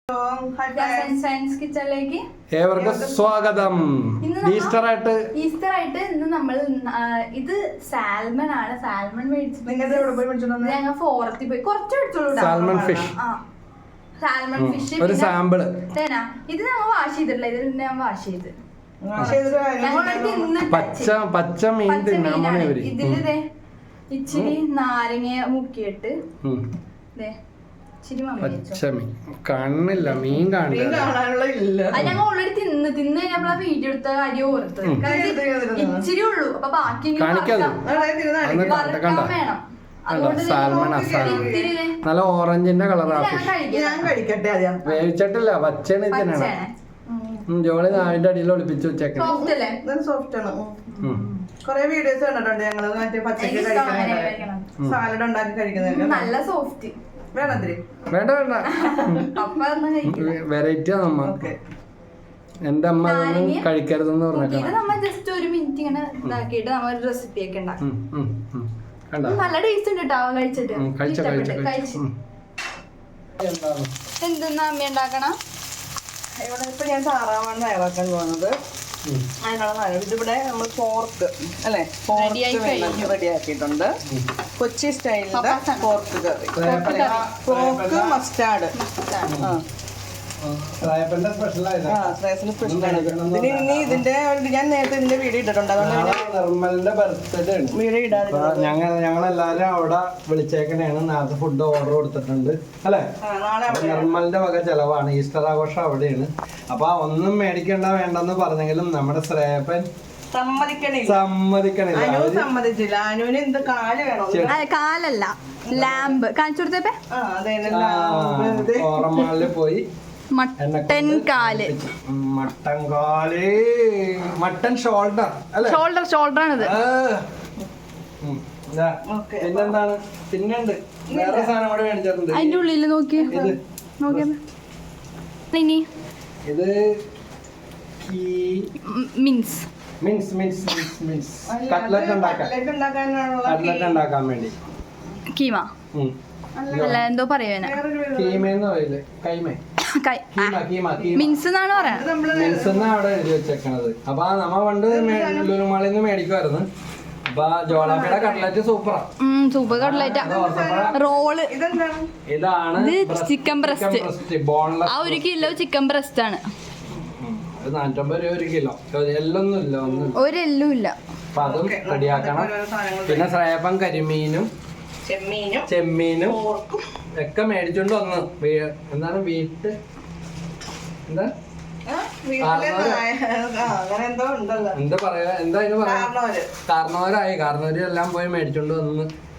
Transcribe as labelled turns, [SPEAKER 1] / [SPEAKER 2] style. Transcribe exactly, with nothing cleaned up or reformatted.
[SPEAKER 1] ഏവർക്കും സ്വാഗതം. ഈസ്റ്റർ ആയിട്ട്
[SPEAKER 2] ഈസ്റ്റർ ആയിട്ട് ഇന്ന് നമ്മൾ ഇത് സാൽമൺ ആണ്. സാൽമൺ മേടിച്ചിട്ട് ഞങ്ങൾ ഫോർത്തിൽ പോയി കുറച്ച് മേടിച്ചോളൂ.
[SPEAKER 1] സാൽമൺ ഫിഷ്
[SPEAKER 2] സാൽമൺ ഫിഷ്
[SPEAKER 1] ഒരു സാമ്പിള്.
[SPEAKER 2] ഇത് ഞങ്ങൾ വാഷ് ചെയ്തിട്ടില്ല. ഇത് ഞാൻ വാഷ് ചെയ്ത്
[SPEAKER 1] പച്ച പച്ച മീൻ തിന്നാൻ
[SPEAKER 2] ഇതില് ഇച്ചിരി നാരങ്ങ മുക്കിയിട്ട്
[SPEAKER 1] പച്ചമീൻ കാണില്ല. മീൻ കാണില്ല.
[SPEAKER 2] ഞങ്ങൾ ഓൾറെഡി തിന്ന് തിന്ന് കഴിഞ്ഞപ്പോൾ വീഡിയോ എടുത്ത കാര്യം ഓർത്തത്. ഇച്ചിരി ഉള്ളൂ. അപ്പൊ ബാക്കി വേണം.
[SPEAKER 1] നല്ല ഓറഞ്ചിന്റെ കളറാ. വേവിച്ചിട്ടില്ല. പച്ചയാണ് ഇതിനാണ്. ജോളി നാവിന്റെ അടിയിൽ ഒളിപ്പിച്ച് വെച്ചേക്കണം.
[SPEAKER 3] കൊറേ വീഡിയോസ് കണ്ടിട്ടുണ്ട് ഞങ്ങള്. മറ്റേ പച്ചക്ക് കഴിക്കുന്ന സാലഡ് ഉണ്ടാക്കി കഴിക്കുന്നത്
[SPEAKER 2] നല്ല സോഫ്റ്റ്.
[SPEAKER 1] വേണ്ട വേണ്ട വെറൈറ്റി ആണ് നമ്മ. എന്റെ അമ്മ അതൊന്നും കഴിക്കരുതെന്ന്
[SPEAKER 2] പറഞ്ഞിട്ട് ജസ്റ്റ് ഒരു മിനിറ്റ് ഇങ്ങനെ ഇതാക്കിയിട്ട് നമ്മൾ ഒരു റെസിപ്പി ഒക്കെ ഉണ്ടാക്കും. നല്ല ടേസ്റ്റ് ഉണ്ട് കേട്ടോ. കഴിച്ചിട്ട് എന്തെന്നാ അമ്മ ഉണ്ടാക്കണം?
[SPEAKER 3] ഇവിടെ ഇപ്പൊ ഞാൻ താറാവാണ് തയ്യാറാക്കാൻ പോകുന്നത്. അതിനുള്ള ഇതിവിടെ നമ്മൾ പോർക്ക് അല്ലെ പോർക്ക് റെഡി ആക്കിയിട്ടുണ്ട്. കൊച്ചി സ്റ്റൈലിന്റെ പോർക്ക് കറി, പോർക്ക് മസ്റ്റാർഡ്. ഇനി ഇതിന്റെ ഞാൻ നേരത്തെ ഇതിന്റെ വീഡിയോ ഇട്ടിട്ടുണ്ട്.
[SPEAKER 1] നിർമ്മലിന്റെ ബർത്ത്ഡേ
[SPEAKER 3] വീഡിയോ ഇടാതെ
[SPEAKER 1] ഞങ്ങൾ ഞങ്ങളെല്ലാരും അവിടെ വിളിച്ചേക്കണേണ്. നേരത്തെ ഫുഡ് ഓർഡർ കൊടുത്തിട്ടുണ്ട് അല്ലെ. നിർമ്മലിന്റെ വക ചെലവാണ്. ഈസ്റ്റർ ആഘോഷം അവിടെയാണ്. അപ്പൊ ഒന്നും മേടിക്കണ്ട വേണ്ടെന്ന് പറഞ്ഞെങ്കിലും നമ്മുടെ ശ്രേയപ്പൻ സമ്മതിക്കണില്ല.
[SPEAKER 3] സമ്മതിച്ചില്ല. അനുവിന് എന്ത് കാല് വേണം?
[SPEAKER 2] കാലല്ല, ലാമ്പ് കാണിച്ചു കൊടുത്തേ.
[SPEAKER 1] ഓറമാളില് പോയി
[SPEAKER 2] മട്ടൻ കാല്,
[SPEAKER 1] മട്ടൻ കാല്, മട്ടൻ ഷോൾഡർ അല്ലെ.
[SPEAKER 2] ഷോൾഡർ ഷോൾഡർ ആണിത്.
[SPEAKER 1] പിന്നെന്താണ്? പിന്നുണ്ട് വേറെ സാധനം കൂടെ മേടിച്ചിട്ടുണ്ട്.
[SPEAKER 2] അതിന്റെ ഉള്ളില് നോക്കി നോക്കിയ ഇനി
[SPEAKER 1] ഇത്
[SPEAKER 2] mince
[SPEAKER 1] mince mince mince mince cutlet ഉണ്ടാക്കാൻ കട്ട്ലറ്റ് ഉണ്ടാക്കാൻ വേണ്ടി
[SPEAKER 2] കീമ അല്ല എന്തോ പറയുവാ.
[SPEAKER 1] കീമേന്ന് പറയില്ലേ? കൈമേ
[SPEAKER 2] മിൻസ് എന്നാണ് പറയുന്നത്.
[SPEAKER 1] മിൻസ് എന്നാ അവിടെ എഴുതി വെച്ചേക്കണത്. അപ്പൊ നമ്മ പണ്ട് ലുലുമാളിൽ നിന്ന് മേടിക്കുമായിരുന്നു. അപ്പൊ ജോളാപ്പിയുടെ കട്ട്ലറ്റ് സൂപ്പറാ.
[SPEAKER 2] Super cutlet. റോള്
[SPEAKER 1] ഇതാണ്
[SPEAKER 2] ചിക്കൻ ബ്രസ്റ്റ്.
[SPEAKER 1] ബോൺലെസ്.
[SPEAKER 2] ആ ഒരു കിലോ ചിക്കൻ ബ്രസ്റ്റ് ആണ്.
[SPEAKER 1] നാനൂറ്റമ്പത് രൂപ ഒരു കിലോ. എല്ലൊന്നും ഇല്ല, ഒന്നും
[SPEAKER 2] ഒരു എല്ലും ഇല്ല.
[SPEAKER 1] അപ്പൊ അതും റെഡിയാക്കണം. പിന്നെ ശ്രേയപ്പൻ കരിമീനും
[SPEAKER 3] ചെമ്മീനും
[SPEAKER 1] ചെമ്മീനും ഒക്കെ മേടിച്ചോണ്ട് വന്ന് എന്താണ് വീട്ട് എന്താ എന്താ പറയാ എന്താ അതിന് പറയാ കാരണവരായി കാരണവര് എല്ലാം പോയി മേടിച്ചോണ്ട് വന്ന്